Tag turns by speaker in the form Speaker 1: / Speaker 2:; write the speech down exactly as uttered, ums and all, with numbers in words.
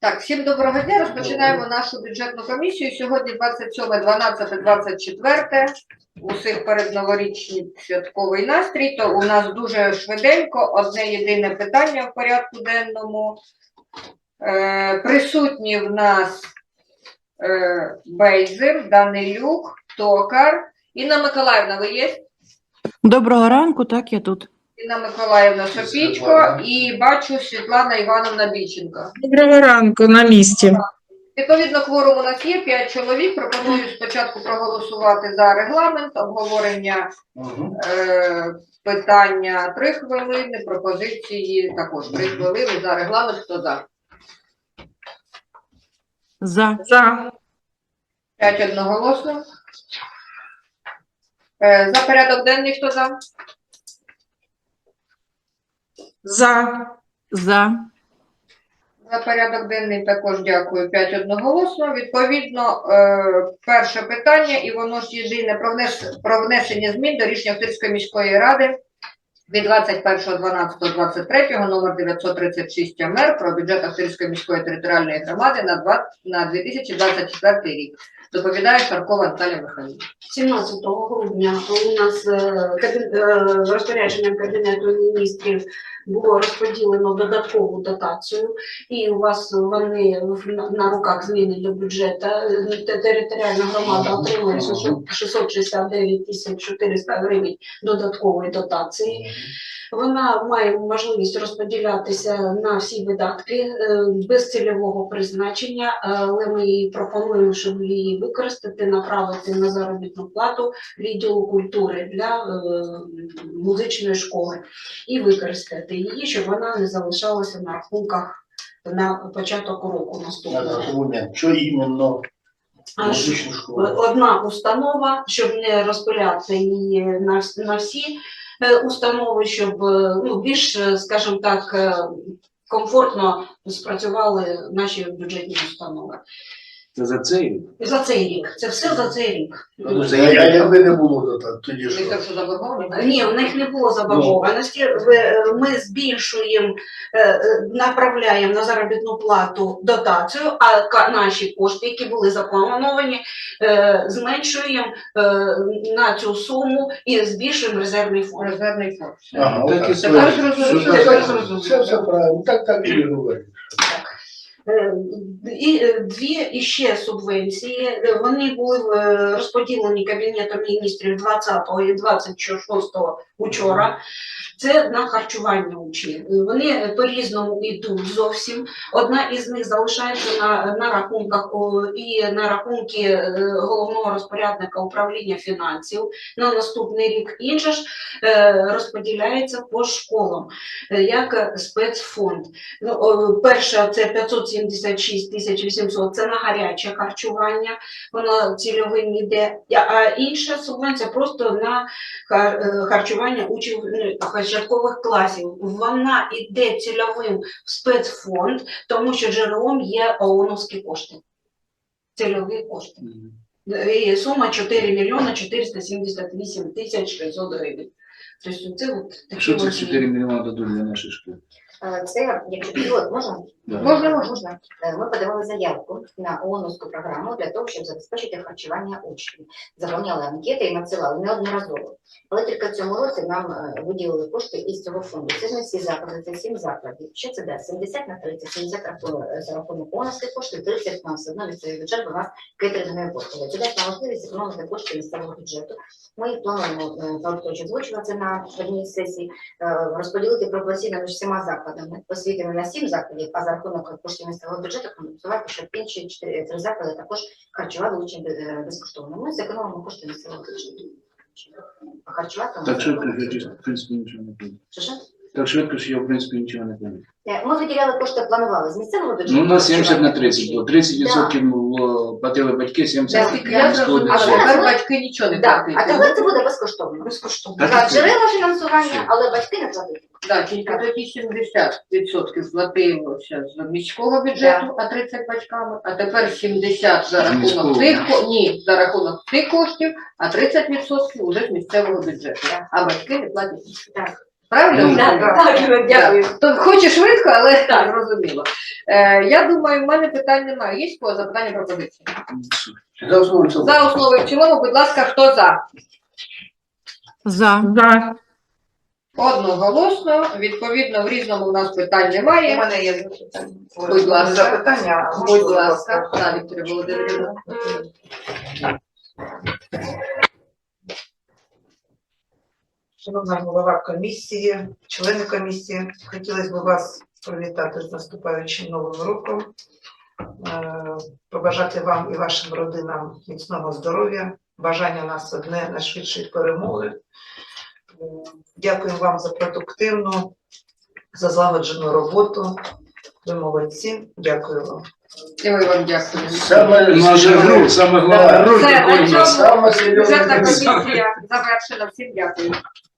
Speaker 1: Так, всім доброго дня. Розпочинаємо нашу бюджетну комісію. Сьогодні двадцять сьоме, дванадцяте, двадцять четверте. Усіх передноворічний святковий настрій. То у нас дуже швиденько одне єдине питання в порядку денному. Е, присутні в нас е, Бейзер, Данилюк, Токар. Інна Миколаївна, ви є?
Speaker 2: Доброго ранку, так, я тут.
Speaker 1: Інна Миколаївна Сопічко і бачу Світлана Івановна Біченко.
Speaker 3: Доброго ранку, на місці.
Speaker 1: Відповідно, кворум у нас є, п'ять чоловік. Пропоную спочатку проголосувати за регламент, обговорення
Speaker 4: Угу.
Speaker 1: е, питання три хвилини, пропозиції також три хвилини за регламент. Хто за?
Speaker 2: За.
Speaker 3: За.
Speaker 1: П'ять одноголосно. Е, за порядок денний хто за?
Speaker 3: За.
Speaker 2: За.
Speaker 1: За порядок денний також дякую. П'ять одноголосно. Відповідно, е, перше питання, і воно ж єдине про, внес, про внесення змін до рішення Охтирської міської ради від двадцять першого дванадцятого двадцять третього номер дев'ятсот тридцять шість ем ер про бюджет Охтирської міської територіальної громади на, два, на дві тисячі двадцять четвертий рік. Доповідає Шаркова Наталія Михайлівна.
Speaker 5: сімнадцятого грудня у нас розпорядженням Кабінету міністрів було розподілено додаткову дотацію, і у вас вони на руках зміни до бюджету. Територіальна громада отримує шістсот шістдесят дев'ять тисяч чотириста гривень додаткової дотації. Вона має можливість розподілятися на всі видатки без цільового призначення, але ми її пропонуємо, щоб її використати, направити на заробітну плату відділу культури для музичної школи і використати її, щоб вона не залишалася на рахунках на початок року наступного.
Speaker 4: Що іменно?
Speaker 5: Одна установа, щоб не розпиляти її на, на всі установи, щоб ну, більш, скажімо так, комфортно спрацювали наші бюджетні установи.
Speaker 4: Це за цей рік?
Speaker 5: За цей рік. Це все за цей рік.
Speaker 4: Ну, це я, якби не було, то тоді
Speaker 1: Ви
Speaker 4: що?
Speaker 1: так, що заборговані?
Speaker 5: Ні, в них не було заборгованості. Ми збільшуємо, направляємо на заробітну плату дотацію, а наші кошти, які були заплановані, зменшуємо на цю суму і збільшуємо резервний фонд.
Speaker 1: Резервний фонд.
Speaker 4: Ага,
Speaker 1: Так,
Speaker 4: так,
Speaker 1: тепер зрозуміло.
Speaker 4: Тепер зрозуміло. Це все правильно, так, так і говорить.
Speaker 5: І дві іще субвенції, вони були розподілені Кабінетом міністрів двадцятого і двадцять шостого учора. Це на харчування учнів. Вони по-різному йдуть зовсім. Одна із них залишається на, на рахунках о, і на рахунки головного розпорядника управління фінансів на наступний рік. Інша ж е, розподіляється по школам, е, як спецфонд. Ну, о, перша це п'ятсот сімдесят шість тисяч вісімсот, це на гаряче харчування, воно цільовим йде, а інша субвенція просто на харчування учнів початкових класів. Вона йде цільовим в спецфонд, тому що джерелом є ООНовські кошти. Цільові кошти. І сума чотири мільйони чотириста сімдесят вісім тисяч п'ятсот гривень. Тобто це от такі.
Speaker 4: Що це чотири мільйони дадуть для нашої школи?
Speaker 6: Це, якщо пілот, можна?
Speaker 4: Да.
Speaker 1: Можна,
Speaker 6: Можна. Ми подавали заявку на ООНовську програму для того, щоб забезпечити харчування учнів. Заповняли анкети і надсилали неодноразово. Але тільки в цьому році нам виділили кошти із цього фонду. Це ж не всі заклади, це сім закладів. Що це дасть? сімдесят на тридцять, сімдесят за рахунок ООНовських коштів, тридцять на все одно місцевий бюджет, бо у нас кейтерингові послуги. Це дасть нам можливість економити кошти місцевого бюджету. Ми їх плануємо, Павло озвучував це на одній сесії, розподілити пропорційно між всіма закладами. Освіти на сім закладів, а за рахунок коштів місцевого бюджету компенсувати, щоб інші чотири три заклади також харчували учнів безкоштовно. Ми зекономимо кошти місцевого бюджету. А харчувати
Speaker 4: Так швидко, що в принципі нічого не буде.
Speaker 6: Що що?
Speaker 4: Так швидко, що я в принципі нічого не буде.
Speaker 6: Ми виділяли кошти, планували з місцевого бюджету.
Speaker 4: Ну, у нас сімдесят на тридцять було. тридцять відсотків було, платили батьки, сімдесят
Speaker 1: Наскільки я зрозуміла,
Speaker 6: А
Speaker 1: тепер
Speaker 6: зараз-
Speaker 1: батьки нічого не
Speaker 6: Да.
Speaker 1: платять.
Speaker 6: А тепер це буде безкоштовно.
Speaker 5: Безкоштовно.
Speaker 4: Так.
Speaker 6: За джерела фінансування, але батьки не платять.
Speaker 1: Так, тільки тоді сімдесят відсотків платилося з міського бюджету, а тридцять батьками, а тепер сімдесят за рахунок
Speaker 4: Міського.
Speaker 1: тих, ко- ні, за рахунок тих коштів, а тридцять відсотків уже з місцевого бюджету. А батьки не платять.
Speaker 6: Так.
Speaker 1: Правильно?
Speaker 4: Ну,
Speaker 5: Так, так, дякую.
Speaker 1: То хоче швидко, але
Speaker 5: Так.
Speaker 1: зрозуміло. Е, я думаю, в мене питань немає. Є кого запитання пропозиції?
Speaker 4: За основу і в цілому.
Speaker 1: За основу і в цілому, будь ласка, хто за?
Speaker 2: За.
Speaker 3: За.
Speaker 1: Одноголосно. Відповідно, в різному у нас питань
Speaker 7: У
Speaker 1: немає.
Speaker 7: мене є запитання.
Speaker 1: Будь ласка.
Speaker 7: Запитання. а
Speaker 1: Будь
Speaker 7: можна,
Speaker 1: ласка, так, Вікторія Володимирівна.
Speaker 7: Шановна голова комісії, члени комісії, хотілося б вас привітати з наступаючим новим роком, Е, побажати вам і вашим родинам міцного здоров'я, бажання нас одне найшвидшої перемоги. Е, Дякую вам за продуктивну, за злагоджену роботу. Ви молодці. Дякую вам.
Speaker 1: І ми вам дякуємо.
Speaker 4: Саме наше саме головне.
Speaker 1: Все, на цьому
Speaker 4: Саме серйозне
Speaker 1: бюджетна
Speaker 4: питання.
Speaker 1: комісія завершена. Всім дякую.